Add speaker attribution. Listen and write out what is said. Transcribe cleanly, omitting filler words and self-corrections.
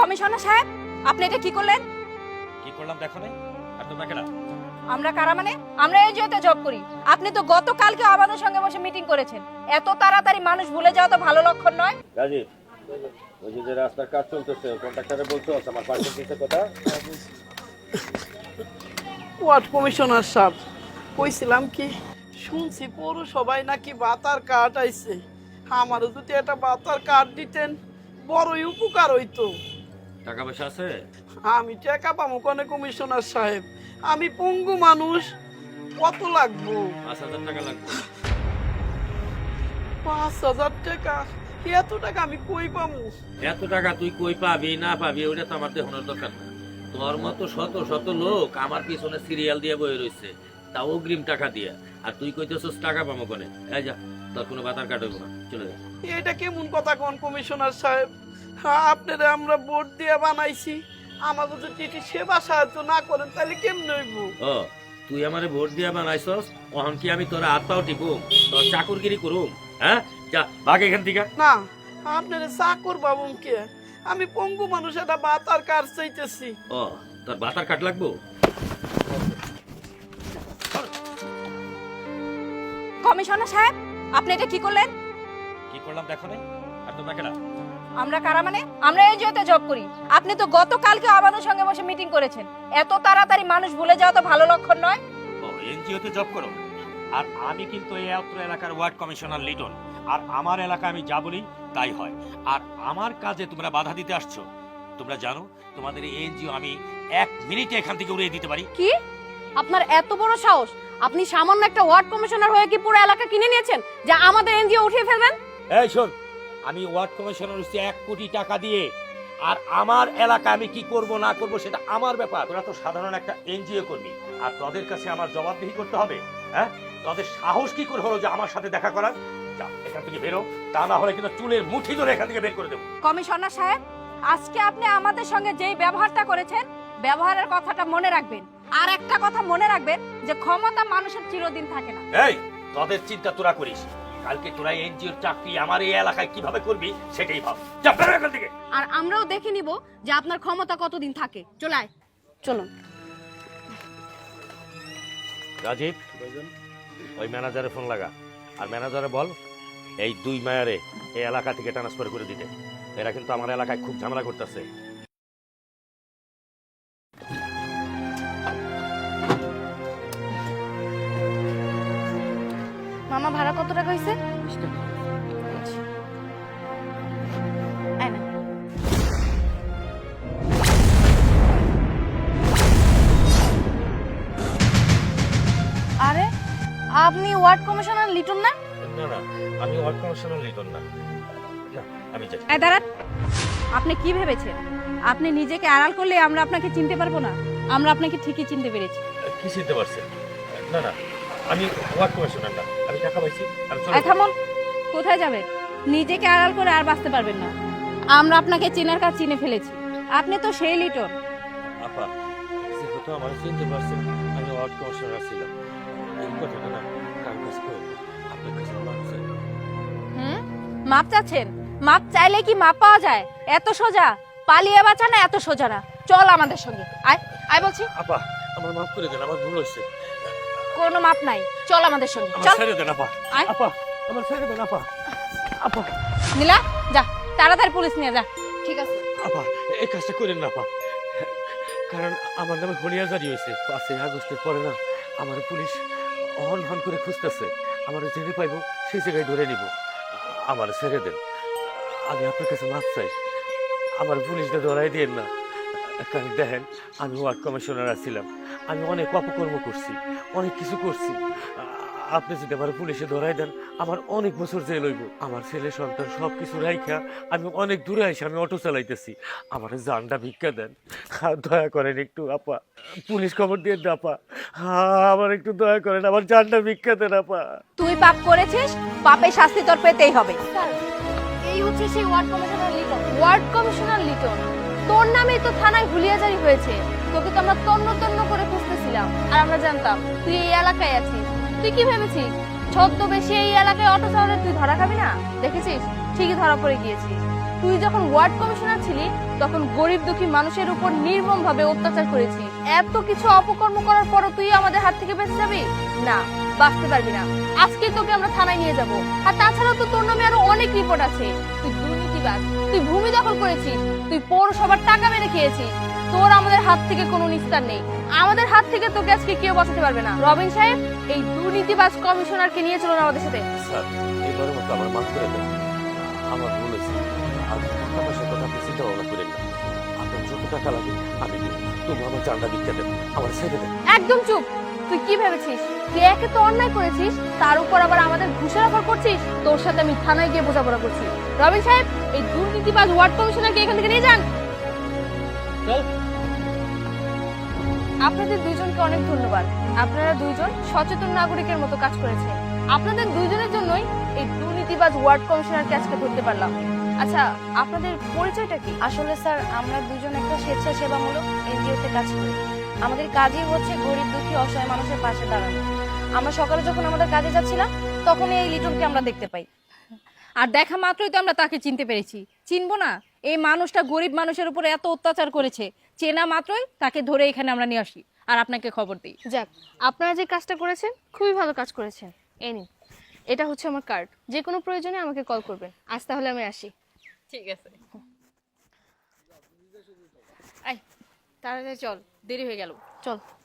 Speaker 1: Commissioner সাহেব, আপনি এটা কি করলেন?
Speaker 2: কি করলাম দেখো নাই? আর তোমরা কেনা?
Speaker 1: আমরা কারা মানে? আমরা এনজিওতে জব করি। আপনি তো গতকালকে আমাদের সঙ্গে বসে মিটিং করেছেন। এত তাড়াতাড়ি মানুষ ভুলে যাওয়া তো ভালো লক্ষণ নয়।
Speaker 2: রাজীব, ওই যে রাস্তার কাজ চলতেছে, কন্ট্রাক্টরে বলছো আমার পার্সেন্টেজের কথা।
Speaker 3: ওয়ার্ড কমিশনার সাহেব, কইছিলাম কি, শুনছি পৌরসভায় নাকি বাতার কার্ড আইছে। আমারও যদি একটা বাতার কার্ড দিতেন বড়ই উপকার হইতো।
Speaker 2: টাকা পয়সা আছে?
Speaker 3: আমি টাকা পাবো কোনে কমিশনার সাহেব? আমি পঙ্গু মানুষ, কত লাগবো?
Speaker 2: 5,000 টাকা লাগবে।
Speaker 3: 5,000 টাকা? এত টাকা আমি কই পাবো?
Speaker 2: এত টাকা তুই কই পাবি না পাবি ওটা তো আমার দেখানোর দরকার না। তোর মতো শত শত লোক আমার পিছনে সিরিয়াল দিয়ে বয়ে রয়েছে, তাও অগ্রিম টাকা দিয়ে, আর তুই কইতেছিস টাকা পাবো কোনে? এই যা, তোর কোনো বাতার কাট হইব না, চলে যা।
Speaker 3: এটা কেমন কথা কোন কমিশনার সাহেব? আপনারা আমরা ভোট দিয়ে বানাইছি, আমাকে যদি সেবা সাহায্য না করেন তাহলে কেমন হইব?
Speaker 2: ও, তুই আমারে ভোট দিয়া বানাইছস, অহন কি আমি তোর হাত পাও টিপুম, তোর চাকুরগিরি করুম? হ্যাঁ, যা ভাগ এখান থেকে।
Speaker 3: না, আপনারা চাকর বাবুকে, আমি পঙ্গু মানুষ, একটা বাতার কার চাইতেছি।
Speaker 2: ও, তোর বাতার কাট লাগবো?
Speaker 1: কমিশনার সাহেব, আপনি এটা কি করলেন?
Speaker 2: কি করলাম দেখো নাই? আর তোমরা কেনা?
Speaker 1: আমরা কারা মানে? আমরা এনজিওতে জব করি। আপনি তো গতকালকে আমাদের সঙ্গে বসে মিটিং করেছেন। এত তাড়াতাড়ি মানুষ ভুলে যাওয়া তো ভালো লক্ষণ নয়।
Speaker 2: ও, এনজিওতে জব করো? আর আমি কিন্তু এই অত্র এলাকার ওয়ার্ড কমিশনার লিটন, আর আমার এলাকা আমি যা বলি তাই হয়। আর আমার কাজে তোমরা বাধা দিতে আসছো? তোমরা জানো তোমাদের এই এনজিও আমি 1 মিনিটে এখান থেকে উড়িয়ে দিতে পারি।
Speaker 1: কি? আপনার এত বড় সাহস? আপনি সামান্য একটা ওয়ার্ড কমিশনার হয়ে কি পুরো এলাকা কিনে নিয়েছেন যে আমাদের এনজিও উঠিয়ে ফেলবেন?
Speaker 2: এই শোন, আমি ওয়ার্ড কমিশনার হচ্ছি 1 কোটি টাকা দিয়ে, আর আমার এলাকা আমি কি করব না করব সেটা আমার ব্যাপার। তোরা তো সাধারণ একটা এনজিও কর্মী, আর তোদের কাছে আমার জবাবদিহি করতে হবে। হ্যাঁ, তোদের সাহস কি করে হলো যে আমার সাথে দেখা করার? যা এখান থেকে বেরো, তা না হলে কিন্তু চুলের মুঠি ধরে এখান থেকে বের করে দেবো।
Speaker 1: কমিশনার সাহেব, আজকে আপনি আমাদের সঙ্গে যেই ব্যবহারটা করেছেন, ব্যবহারের কথাটা মনে রাখবেন। আর একটা কথা মনে রাখবেন যে ক্ষমতা মানুষের চিরদিন থাকে না।
Speaker 2: এই, তোদের চিন্তা তোরা করিস, কালকে তোরা এনজিওর চাকরি আমার এই এলাকায় কিভাবে করবি সেটাই ভাব। যা বেরো এখান থেকে।
Speaker 1: আর আমরাও দেখে নিব যে আপনার ক্ষমতা কতদিন থাকে। চলায় চলুন।
Speaker 2: রাজীব, ওই ম্যানেজারে ফোন লাগা, আর ম্যানেজারে বল এই 2 মায়ারে এই এলাকা থেকে ট্রান্সফার করে দিতে। এরা কিন্তু আমার এলাকায় খুব ঝামেলা করতেছে।
Speaker 1: মামা, ভাড়া কত টাকা হয়েছে? আরে, আপনি ওয়ার্ড কমিশনার লিটন না?
Speaker 2: না না, আমি ওয়ার্ড কমিশনার লিটন না। না, আমি যাই।
Speaker 1: এই দাঁড়ান, আপনি কি ভেবেছেন আপনি নিজেকে আড়াল করলে আমরা আপনাকে চিনতে পারবো না? আমরা আপনাকে ঠিকই চিনতে পেরেছি।
Speaker 2: কি চিনতে পারছেন? না না, আমি ওয়ার্ড কমিশনার না, আমি টাকা পাইছি, আমি চলে
Speaker 1: এই থামুন, কোথায় যাবেন? নিজেকে আড়াল করে আর বাঁচতে পারবেন না। আমরা আপনাকে চেনার কাজ চিনে ফেলেছি। আপনি তো সেই লিটন।
Speaker 2: আপা, যেহেতু আমার চিনতে পারছেন আমি ওয়ার্ড কমিশনার ছিলাম, এই কথাটা না কার কাছে কই, আপনার কাছে মাপ চাই।
Speaker 1: মাপ চাচ্ছেন? মাপ চাইলে কি মাপ পাওয়া যায়? এত সোজা? পালিয়ে বাঁচা না এত সোজা না। চল আমাদের সঙ্গে, আয় আয় বলছি।
Speaker 2: আপা, আমার মাফ করে দেন, আমার ভুল হয়েছে।
Speaker 1: কোনো মাপ নাই, চল আমাদের সঙ্গে
Speaker 2: আমার
Speaker 1: চল।
Speaker 2: ছেড়ে দেন আপা।
Speaker 1: আয়।
Speaker 2: আপা, আমার ছেড়ে দেন আপা। আপা,
Speaker 1: নীলা, যা তাড়াতাড়ি পুলিশ নিয়ে যা। ঠিক আছে।
Speaker 2: আপা, এই কাজটা করেন না আপা, কারণ আমার নামে হলিয়া জারি হয়েছে। 5ই আগস্টের পরে না আমার পুলিশ হন হন করে খুঁজতেছে, আমার জেনে পাইবো সেই জায়গায় ধরে নিব। আমার ছেড়ে দেন, আমি আপনার কাছে মাপ চাই, আমার পুলিশটা ধরাই দিন না। কারণ দেখেন, আমি ওয়ার্ড কমিশনার ছিলাম, আমি অনেক অপকর্ম করছি, অনেক কিছু করছি। আপনি যদি আমার পুলিশে ধরাই দেন আমার অনেক বছর জেল হইব। আমার ছেলে সন্তান সবকিছু রাইখা আমি অনেক দূরে আইসি, আমি অটো চালাইতেছি, আমার জানটা ভিক্ষা দেন, দয়া করেন একটু আপা, পুলিশ খবর দিয়ে দেন আপা, আমার একটু দয়া করেন, আমার জানটা ভিক্ষা দেন আপা।
Speaker 1: তুই পাপ করেছিস, পাপের শাস্তি তোর পেতেই হবে। এই হচ্ছে সেই ward commissioner Liton. Ward commissioner Liton, তোর নামেই তো থানায় হুলিয়াজারি হয়েছে। তোকে তো আমরা তন্ন তন্ন করে খুঁজতেছিলাম, আর আমরা জানতাম তুই এই এলাকায় আছিস। তুই কি ভেবেছিস ছদ্মবেশে এই এলাকায় অটো চালালে তুই ধরা খাবি না? দেখেছিস, ঠিকই ধরা পড়ে গিয়েছিস। তুই যখন ওয়ার্ড কমিশনার ছিলি তখন গরিব দুঃখী মানুষের উপর নির্মমভাবে অত্যাচার করেছিস। এত কিছু অপকর্ম করার পরও তুই আমাদের হাত থেকে বেঁচে যাবি না, বাঁচতে পারবি না। আজকে তোকে আমরা থানায় নিয়ে যাব। আর তাছাড়াও তো তোর নামে আরো অনেক রিপোর্ট আছে। তুই দুর্নীতিবাজ, তুই ভূমি দখল করেছিস, তুই পৌরসভার টাকা মেরে খেয়েছিস। তোর আমাদের হাত থেকে কোনো নিস্তার নেই। আমাদের হাত থেকে তোকে আজকে কেউ বাঁচাতে পারবে না। রবিন সাহেব, এই দুর্নীতিবাজ কমিশনারকে নিয়ে চলুন আমাদের সাথে।
Speaker 2: স্যার, এবারের মতো আমার মাফ করে দেন। আমার ভুল হয়েছে। আর টাকা পয়সার কথা আপনি চিন্তা ভাবনা করেন না। আপনার যত টাকা লাগে আমি দিব। তবু আমার জানটা ভিক্ষা দেন, আমার ছেড়ে দেন।
Speaker 1: একদম চুপ। তুই কি ভেবেছিস তুই একে তো অন্যায় করেছিস, তার উপর আবার আমাদের ঘুষের অফার করছিস? তোর সাথে আমি থানায় গিয়ে বোঝাপড়া করছি। রবিন সাহেব, এই দুর্নীতিবাজ ওয়ার্ড কমিশনারকে এখান থেকে নিয়ে যান।
Speaker 2: চল।
Speaker 1: আপনাদের দুইজনকে অনেক ধন্যবাদ। আপনারা দুইজন সচেতন নাগরিকের মতো কাজ করেছেন। আপনাদের দুইজনের জন্যই এই দুর্নীতিবাজ ওয়ার্ড কমিশনারকে আজকে ধরতে পারলাম। আচ্ছা, আপনাদের পরিচয়টা কি?
Speaker 4: আসলে স্যার, আমরা দুজন একটা স্বেচ্ছাসেবামূলক এনজিওতে কাজ করি। আমাদের কাজই হচ্ছে গরিব দুঃখী অসহায় মানুষের পাশে দাঁড়ানো। আমরা সকালে যখন আমাদের কাজে যাচ্ছিলাম তখন এই লিটনকে আমরা দেখতে পাই।
Speaker 5: আর দেখা মাত্রই তো আমরা তাকে চিনতে পেরেছি। চিনবো না? এই মানুষটা গরিব মানুষের উপরে এত অত্যাচার করেছে, চেনা মাত্রই তাকে ধরে এখানে আমরা নিয়ে আসি আর আপনাকে খবর দিই।
Speaker 1: যাক, আপনারা যে কাজটা করেছেন খুবই ভালো কাজ করেছেন। এই নিন, এটা হচ্ছে আমার কার্ড। যে কোনো প্রয়োজনে আমাকে কল করবেন। আজ তাহলে আমি আসি।
Speaker 5: ঠিক আছে, আয় তাড়াতাড়ি চল, দেরি হয়ে গেল।
Speaker 1: চল।